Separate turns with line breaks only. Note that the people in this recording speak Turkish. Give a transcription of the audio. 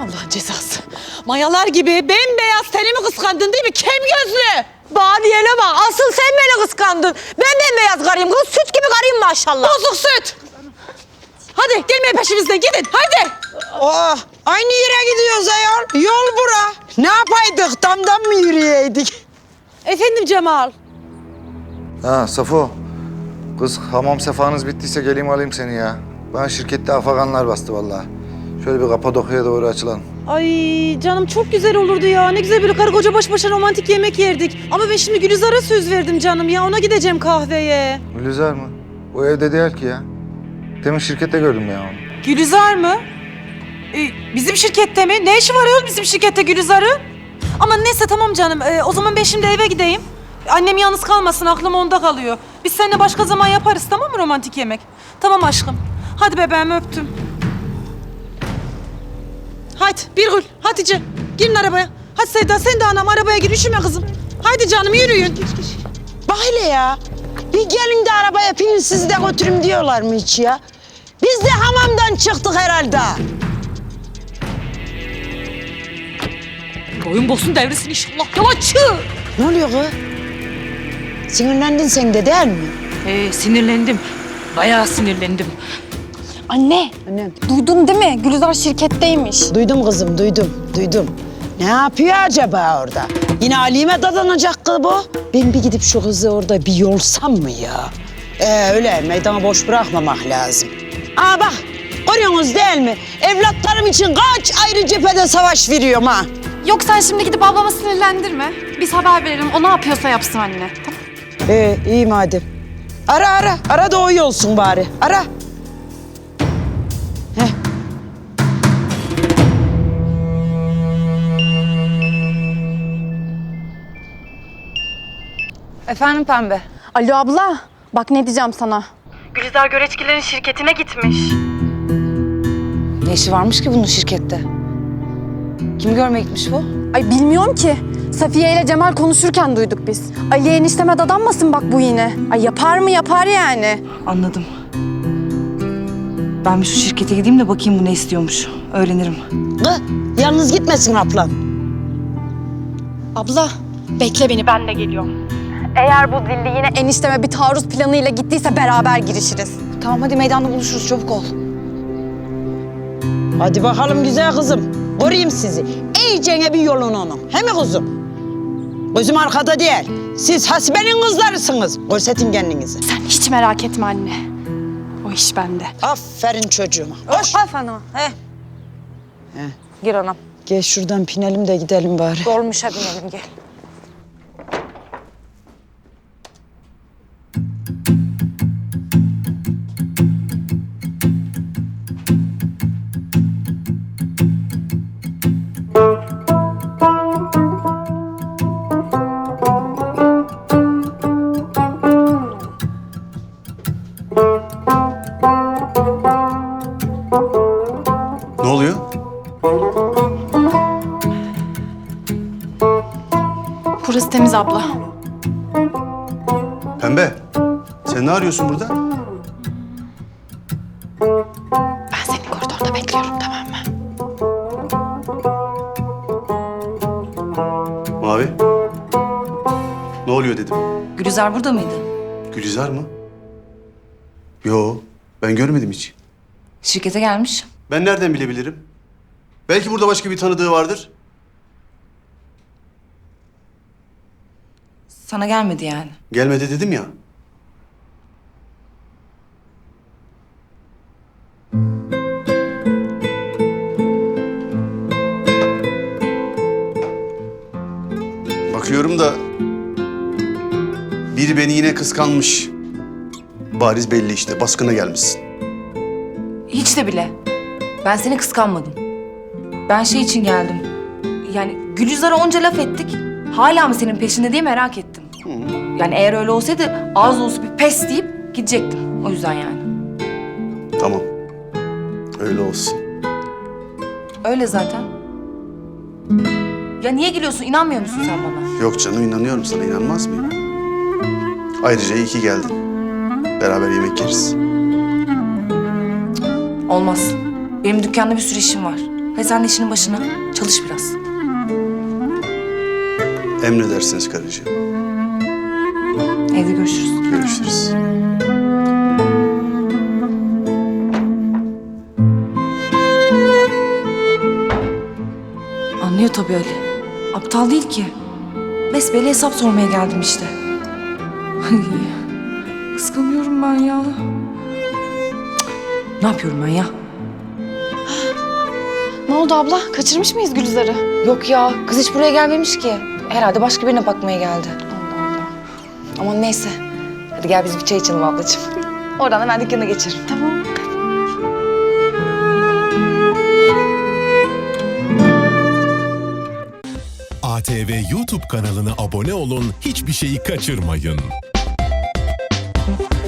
Allah'ın cezası. Mayalar gibi bembeyaz tenimi kıskandın değil mi? Kem gözlü. Badiyene bak. Asıl sen beni kıskandın. Ben bembeyaz karıyım. Kız süt gibi karıyım maşallah. Bozuk süt. Hadi gelmeyin peşimizden gidin. Hadi.
Oh, aynı yere gidiyoruz ayol. Yol bura. Ne yapaydık? Damdan mı yürüyeydik?
Efendim Cemal.
Ha Safo. Kız hamam sefanız bittiyse geleyim alayım seni ya. Bana şirkette afaganlar bastı vallahi. Şöyle bir Kapadokya'ya doğru açılalım.
Ay canım çok güzel olurdu ya. Ne güzel böyle karı koca baş başa romantik yemek yerdik. Ama ben şimdi Gülizar'a söz verdim canım ya. Ona gideceğim kahveye.
Gülizar mı? O evde değil ki ya. Demin şirkette gördüm ya onu.
Gülizar mı? Bizim şirkette mi? Ne işi var ya bizim şirkette Gülizar'ın? Ama neyse tamam canım. O zaman ben şimdi eve gideyim. Annem yalnız kalmasın, aklım onda kalıyor. Biz seninle başka zaman yaparız, tamam mı romantik yemek? Tamam aşkım. Hadi bebeğim öptüm. Hadi Birgül, Hatice. Girin arabaya. Hadi Sevda sen de anam arabaya gir, üşüme kızım. Hadi canım yürüyün.
Bak hele ya. Bir gelin de arabaya pinin sizi de götürüm diyorlar mı hiç ya? Biz de hamamdan çıktık herhalde.
Boyun bosun devresin inşallah. Yalancı.
Ne oluyor kız? Sinirlendin sen de değil mi?
Sinirlendim. Bayağı sinirlendim.
Anne,
Annem.
duydun değil mi? Gülizar şirketteymiş.
Duydum kızım, duydum. Ne yapıyor acaba orada? Yine Ali'me dadanacak kız bu. Ben bir gidip şu kızı orada bir yolsam mı ya? Öyle meydanı boş bırakmamak lazım. Aa bak, görüyorsunuz değil mi? Evlatlarım için kaç ayrı cephede savaş veriyorum ha.
Yok sen şimdi gidip ablama sinirlendirme. Biz haber verelim, o ne yapıyorsa yapsın anne. Tamam.
İyi madem. Ara da o iyi olsun bari. Ara. Heh.
Efendim Pembe?
Alo abla, bak ne diyeceğim sana.
Gülizar Göreçkilerin şirketine gitmiş.
Ne işi varmış ki bunun şirkette? Kim görmeye gitmiş bu?
Ay bilmiyorum ki. Safiye ile Cemal konuşurken duyduk biz. Ali'ye enişteme dadanmasın bak bu yine. Ay yapar mı yapar yani.
Anladım. Ben bir şu şirkete gideyim de bakayım bu ne istiyormuş. Öğrenirim.
Kız, yalnız gitmesin ablam.
Abla bekle beni ben de geliyorum. Eğer bu zilli yine enişteme bir taarruz planıyla gittiyse beraber girişiriz.
Tamam hadi meydanda buluşuruz çabuk ol.
Hadi bakalım güzel kızım. Koruyayım sizi. İyicene bir yolun onun. He mi kızım? Gözüm arkada değil. Siz Hasibe'nin kızlarısınız. Görsetin kendinizi.
Sen hiç merak etme anne. O iş bende.
Aferin çocuğuma. Hoş.
Efendim he. Gir anam.
Gel şuradan pinelim de gidelim bari.
Dolmuşa binelim gel.
Ne oluyor?
Burası temiz abla.
Pembe, sen ne arıyorsun burada?
Ben seni koridorda bekliyorum tamam mı?
Mavi. Ne oluyor dedim.
Gülizar burada mıydı?
Gülizar mı? Yo, ben görmedim hiç.
Şirkete gelmiş.
Ben nereden bilebilirim? Belki burada başka bir tanıdığı vardır.
Sana gelmedi yani.
Gelmedi dedim ya. Bakıyorum da biri beni yine kıskanmış. Bariz belli işte, baskına gelmişsin.
Hiç de bile. Ben seni kıskanmadım. Ben şey için geldim. Yani Gülizar'a onca laf ettik. Hala mı senin peşinde diye merak ettim. Yani eğer öyle olsaydı ağız dolusu bir pes deyip gidecektim. O yüzden yani.
Tamam, öyle olsun.
Öyle zaten. Ya niye gülüyorsun? İnanmıyor musun sen bana?
Yok canım, inanıyorum sana, inanmaz mıyım? Ayrıca iyi ki geldin. Beraber yemek yeriz.
Olmaz. Benim dükkanda bir sürü işim var. Ve sen de işinin başına çalış biraz.
Emredersiniz karıcığım.
Evde görüşürüz.
Görüşürüz.
Anlıyor tabii Ali. Aptal değil ki. Besbelli hesap sormaya geldim işte. Ay, kıskanıyorum ben ya. Cık, ne yapıyorum ben ya?
Ne oldu abla? Kaçırmış mıyız Gülizar'ı?
Yok ya, kız hiç buraya gelmemiş ki. Herhalde başka birine bakmaya geldi.
Allah Allah.
Aman neyse. Hadi gel biz bir çay içelim ablacığım. Oradan hemen dükkana geçerim.
Tamam.
ATV YouTube kanalına abone olun, hiçbir şeyi kaçırmayın.